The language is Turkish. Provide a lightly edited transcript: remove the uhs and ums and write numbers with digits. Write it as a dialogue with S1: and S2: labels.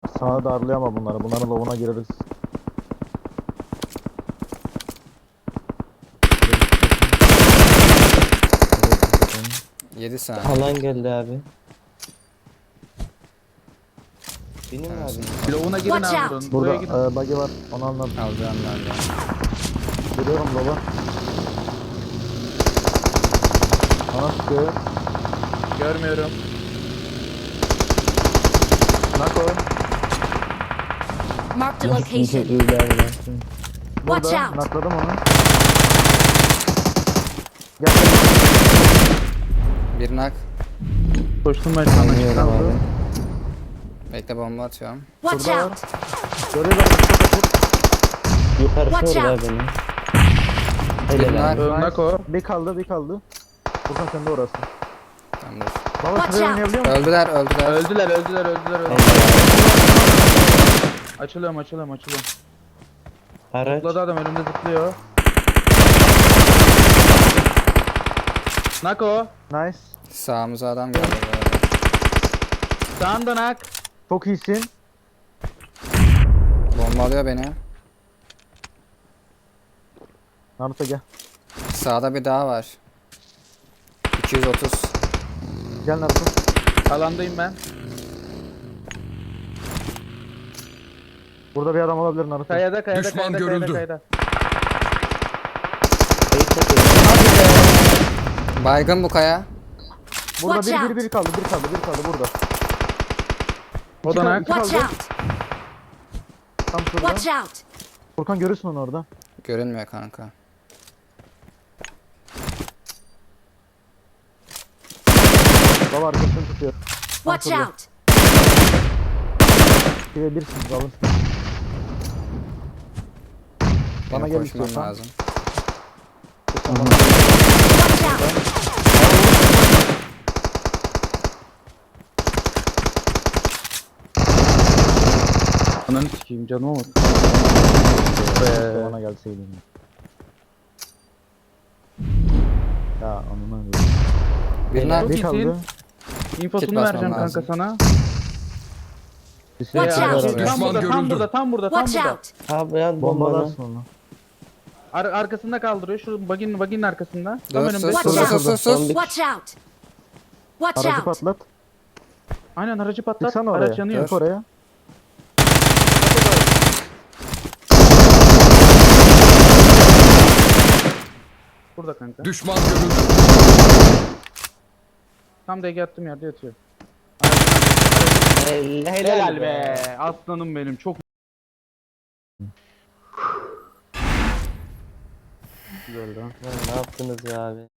S1: Sağa darlayama bunları. Bunların lovuna gireriz.
S2: 7 saniye.
S3: Alan geldi abi. Benim abi.
S4: Bloğuna girin
S5: Watch
S4: abi
S5: out.
S4: buranın.
S1: Burada
S4: Buraya girin.
S1: buggy var. Onu anladım.
S2: Alacağım ben de.
S1: Giriyorum baba. Bana sıkıyor.
S4: Görmüyorum.
S1: Nako.
S5: Marked a location. Watch
S1: Burada.
S5: out.
S1: Nakladım onu. Gel.
S2: Bir nak.
S4: Koştum ben sana.
S3: Anlıyorum
S4: Çıkan.
S3: abi.
S2: Bekle bomba atıyorum.
S5: Watch
S1: Burada var.
S5: out.
S1: Görüyorlar.
S3: Yukarısı
S5: Watch
S3: orada
S5: out.
S3: benim.
S2: Bir
S3: Helal abi.
S2: nak.
S4: Örnek o.
S1: Bir kaldı, bir kaldı. Furkan sen de orası.
S2: Tamam dur.
S1: Baba
S5: Watch
S1: şuraya
S5: out.
S1: oynayabiliyor musun?
S2: Öldüler.
S4: Öldüler. Açılıyorum.
S3: Araç.
S4: Zıpladı adam önümde zıplıyor. Nako.
S1: Nice.
S2: Sağımıza adam geldi. bu arada.
S4: Sağında nak.
S1: Çok iyisin.
S2: Bomba alıyor beni.
S1: Naruto gel.
S2: Sağda bir daha var. 230.
S1: Gel Naruto.
S4: Alandayım ben.
S1: Burada bir adam olabilir Naruto.
S4: Kayada.
S6: Düşman görüldü.
S2: Baygın bu kaya.
S1: Burada
S5: Watch out.
S1: bir kaldı burada.
S4: O da nak.
S5: Watch
S1: kaldı.
S5: out.
S1: Tam şurada.
S5: Watch out.
S1: Furkan görürsün onu orada.
S2: Görünmüyor kanka.
S1: Baba arkasını tutuyor.
S5: Watch
S1: şurada.
S5: out.
S1: Bir birsiniz alın. Bana
S2: Benim
S1: gel
S2: koşmam
S1: istiyorsan.
S2: lazım.
S5: Watch out.
S4: Ananı sikeyim canım ama.
S1: Keşke bana gelseydin. Ya anına
S2: Bir nak.
S4: Çok
S1: bir
S4: iyisin.
S1: kaldı.
S4: İnfosunu
S2: basmam
S4: vereceğim kanka
S2: lazım.
S4: sana.
S1: Bir şey
S5: Watch out.
S1: var.
S6: Düşman görüldü.
S4: Tam burada.
S5: Watch out.
S3: Abi yan bombalı.
S1: Bombalarsın onu.
S4: Arkasında kaldırıyor. Şu baginin arkasında. Tam
S2: Dur,
S4: önümde.
S2: sus,
S5: Watch
S2: sus,
S5: out.
S2: sus, sus.
S5: Watch out. Watch
S1: Aracı
S5: out.
S1: patlat.
S4: Aynen aracı patlat.
S1: Çıksana oraya.
S4: Araç yanıyor.
S1: Çık oraya.
S4: Burada kanka.
S6: Düşman görüldü.
S4: Tam DG attığım yerde yatıyor.
S3: Helal
S4: be. Aslanım benim. Çok
S1: Güzel lan.
S3: Ne yaptınız ya abi?